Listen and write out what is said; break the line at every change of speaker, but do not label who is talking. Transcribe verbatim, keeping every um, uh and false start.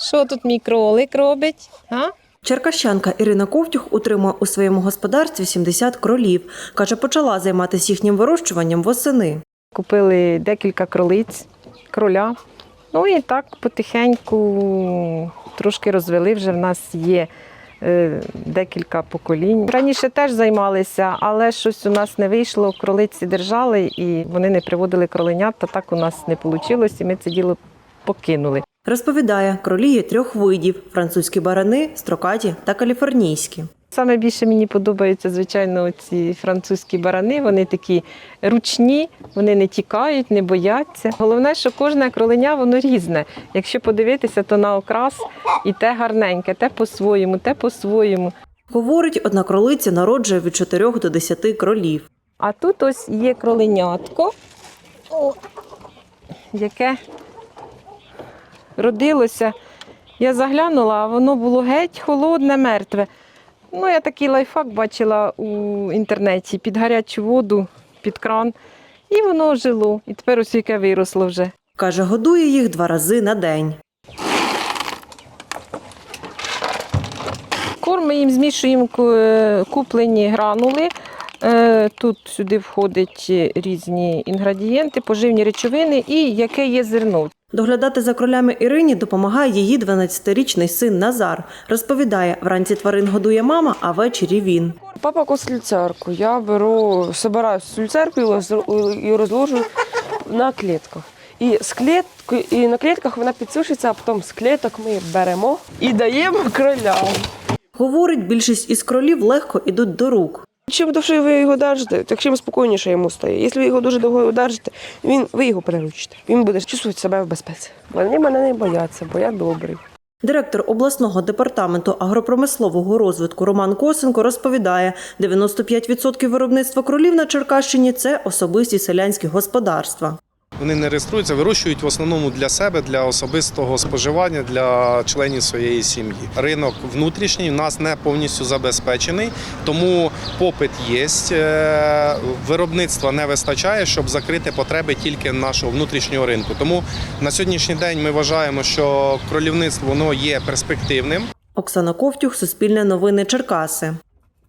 Що тут мій кролик робить? А?
Черкащанка Ірина Ковтюх утримує у своєму господарстві сімдесят кролів. Каже, почала займатися їхнім вирощуванням восени.
Купили декілька кролиць, кроля. Ну і так потихеньку трошки розвели. Вже в нас є е, декілька поколінь. Раніше теж займалися, але щось у нас не вийшло. Кролиці держали і вони не приводили кроленят, та так у нас не вийшло, і ми це діло покинули.
Розповідає, кролі є трьох видів – французькі барани, строкаті та каліфорнійські.
Саме більше мені подобаються, звичайно, ці французькі барани. Вони такі ручні, вони не тікають, не бояться. Головне, що кожне кроленя, воно різне. Якщо подивитися, то на окрас і те гарненьке, те по-своєму, те по-своєму.
Говорить, одна кролиця народжує від чотирьох до десяти кролів.
А тут ось є кроленятко, яке родилося. Я заглянула, а воно було геть холодне, мертве. Ну, я такий лайфхак бачила у інтернеті, під гарячу воду, під кран, і воно ожило. І тепер ось яке виросло вже.
Каже, годує їх два рази на день.
Корм ми їм змішуємо куплені гранули. Тут сюди входять різні інгредієнти, поживні речовини і яке є зерно.
Доглядати за кролями Ірині допомагає її дванадцятирічний син Назар. Розповідає, вранці тварин годує мама, а ввечері він.
Папа косить люцерку. Я беру, собираю люцерку і розложу на клітках. І, з клітки, і на клітках вона підсушиться, а потім з кліток ми беремо і даємо кролям.
Говорить, більшість із кролів легко йдуть до рук.
Чим довше ви його держите, так чим спокійніше йому стає. Якщо ви його дуже довго держите, він, ви його переручите. Він буде чувствувати себе в безпеці. Вони мене не бояться, бо я добрий.
Директор обласного департаменту агропромислового розвитку Роман Косенко розповідає, дев'яносто п'ять відсотків виробництва кролів на Черкащині – це особисті селянські господарства.
Вони не реєструються, вирощують в основному для себе, для особистого споживання, для членів своєї сім'ї. Ринок внутрішній у нас не повністю забезпечений, тому попит є, виробництва не вистачає, щоб закрити потреби тільки нашого внутрішнього ринку. Тому на сьогоднішній день ми вважаємо, що кролівництво воно є перспективним.
Оксана Ковтюх, Суспільне новини, Черкаси.